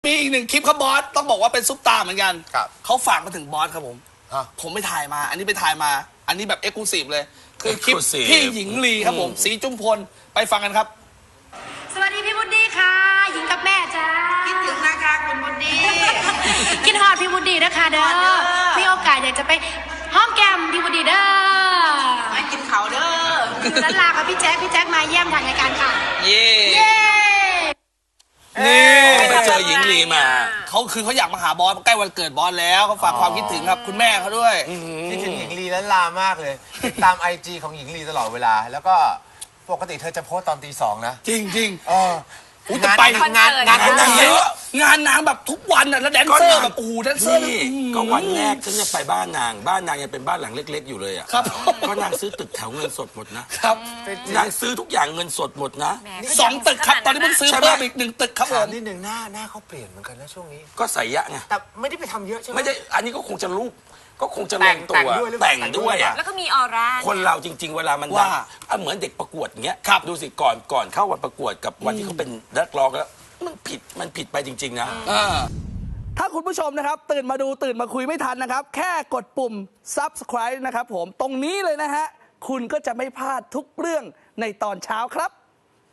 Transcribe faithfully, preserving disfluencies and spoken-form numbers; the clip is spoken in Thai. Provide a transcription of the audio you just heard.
มีอีกหนึ่งคลิปครับบอสต้องบอกว่าเป็นซุปตาร์เหมือนกันครับเขาฝากมาถึงบอสครับผมฮะผมไปถ่ายมา อันนี้ไปถ่ายมา อันนี้แบบเอ็กซ์คลูซีฟเลย คือคลิป Exclusive พี่หญิงลีครับผมสีจุ้มพลไปฟังกันครับสวัสดีพี่บุดดี้ค่ะ หญิงกับแม่จ้าคิดถึงนะคะคุณบุญดีคิดฮอดพี่บุดดี้นะคะเด้อเด้อมีโอกาสอยากจะไปห้อมแก้มพี่บุดดี้เด้อมากินเขาวเด้ออยู่ด้านล่างกับพี่แจ๊คพี่แจ๊คมาเยี่ยมทางรายการค่ะเย่เย้นี่ไปเจอหญิงลีมาเขาคือเขาอยากมาหาบอสใกล้วันเกิดบอสแล้วเขาฝากความคิดถึงครับคุณแม่เขาด้วยคิดถึงหญิงลีและลามากเลยติดตามไอจีของหญิงลีตลอดเวลา แล้วก็ปกติเธอจะโพสต์ตอนตีสองนะจริงจริงเอออุ๊ยแต่ไปงานงานงานงานนางเยเยอะอะงานนางแบบทุกวันอ่ะแล้วแดนเซอร์แบบโอ้โหแดนเซอร์นี่ก็วันแรกฉันจะไปบ้านนาง บ้านนางยังเป็นบ้านหลังเล็ก ๆ อยู่เลยอ่ะครับก็นางซื้อตึกแถวเงินสดหมดนะครับ นางซื้อทุกอย่างเงินสดหมดนะสองตึกครับตอนนี้เพิ่งซื้อใช่ไหมเพิ่มอีกหนึ่งตึกครับผถามมนิดนึงหน้าหน้าเขาเปลี่ยนเหมือนกันนะช่วงนี้ก็ใส่ยะไงแต่ไม่ได้ไปทำเยอะใช่ไหมไม่ได้อันนี้ก็คงจะรูปก็คงจะลแต่งงตัวแต่งด้วยหรือเปล่าแต่งด้วยอ่ะแล้วก็มีออร่าคนเราจริง ๆ เวลามันดังว่าอ่ะเหมือนเด็กประกวดอย่างเงี้ยครับดูสิก่อนก่อนเข้าวันประกวดกับวันที่เขาเป็นนักร้องแล้วมันผิดมันผิดไปจริง ๆ นะถ้าคุณผู้ชมนะครับ ตื่นมาดูตื่นมาคุยไม่ทันนะครับ แค่กดปุ่ม ซับสไครบ์ นะครับผมตรงนี้เลยนะฮะ คุณก็จะไม่พลาดทุกเรื่องในตอนเช้าครับ